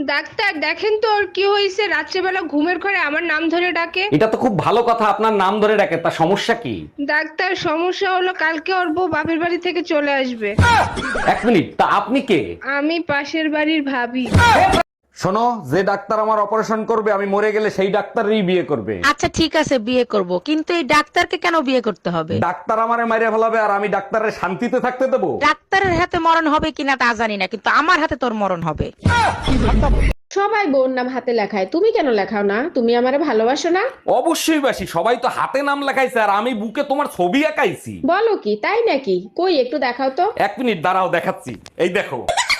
Doctor দেখেন তো ওর কি হয়েছে, রাত্রেবেলা ঘুমের ঘরে আমার নাম ধরে ডাকে। এটা তো খুব ভালো কথা, আপনার নাম ধরে ডাকে, তা সমস্যা কি? ডাক্তার সমস্যা হলো কালকে ওর বউ বাপের বাড়ি থেকে চলে আসবে। এক মিনিট, তা আপনি কে? আমি পাশের বাড়ির ভাবি। শোনো, যে ডাক্তার আমার অপারেশন করবে আমি মরে গেলে সেই ডাক্তারই বিয়ে করবে। আচ্ছা ঠিক আছে বিয়ে করব, কিন্তু এই ডাক্তারকে কেন বিয়ে করতে হবে? ডাক্তার আমারে মাইরে ফেলাবে আর আমি ডাক্তারের শান্তিতে থাকতে দেবো? ডাক্তারের হাতে মরণ হবে কিনা তা জানি না, কিন্তু আমার হাতে তোর মরণ হবে। সবাই বোন নাম হাতে লেখায়, তুমি কেন লেখাও না? তুমি আমারে ভালোবাসো না? অবশ্যই বাসি, সবাই তো হাতে নাম লেখাইছে আর আমি বুকে তোমার ছবি আঁকাইছি। বলো কি, তাই নাকি? কই একটু দেখাও তো। এক মিনিট দাঁড়াও, দেখাচ্ছি, এই দেখো।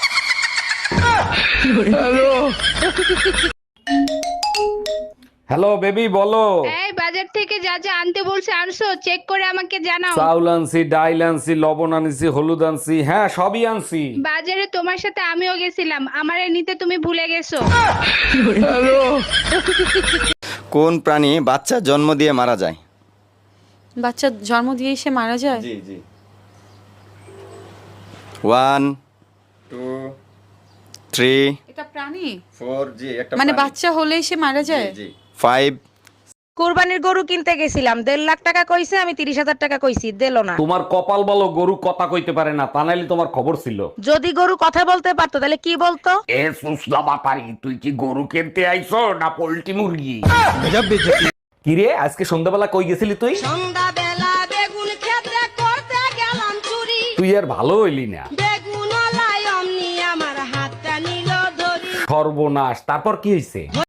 হ্যালো বেবি, বলো। এই বাজার থেকে যা যা আনতে বলছে আনছো, চেক করে আমাকে জানাও। চাউল আনছি, ডাইল আনছি, লবণ আনছি, হলুদ আনছি, হ্যাঁ সবই আনছি। বাজারে তোমার সাথে আমিও গেছিলাম, আমারে নিতে তুমি ভুলে গেছো। কোন প্রাণী বাচ্চা জন্ম দিয়ে মারা যায়? বাচ্চা জন্ম দিয়ে সে মারা যায়? জি জি। 1 2 3 এটা প্রাণী? 4 জি, একটা মানে প্রাণী। বাচ্চা হলেই সে মারা যায়? জি 5 কোরবানির গরু কিনতে গেছিলাম, 1.5 লাখ টাকা কইছে, আমি 30,000 টাকা কইছি, দিলো না। তোমার কপাল বলো গরু কথা কইতে পারে না, তা নাইলে তোমার খবর ছিল। যদি গরু কথা বলতে পারতো তাহলে কি বলতো? এ সুসলা বাপারি, তুই কি গরু কিনতে আইছো না পোল্ট্রি মুরগি? কিরে, আজকে সন্ধ্যাবেলা কই গেছিলি তুই? সন্ধ্যাবেলা বেগুন ক্ষেত্রে করতে গেলাম চুরি, তুই আর ভালো হইলি না। বেগুন অমনি আমার হাতটা নিল ধরি। সর্বনাশ, তারপর কি হইছে?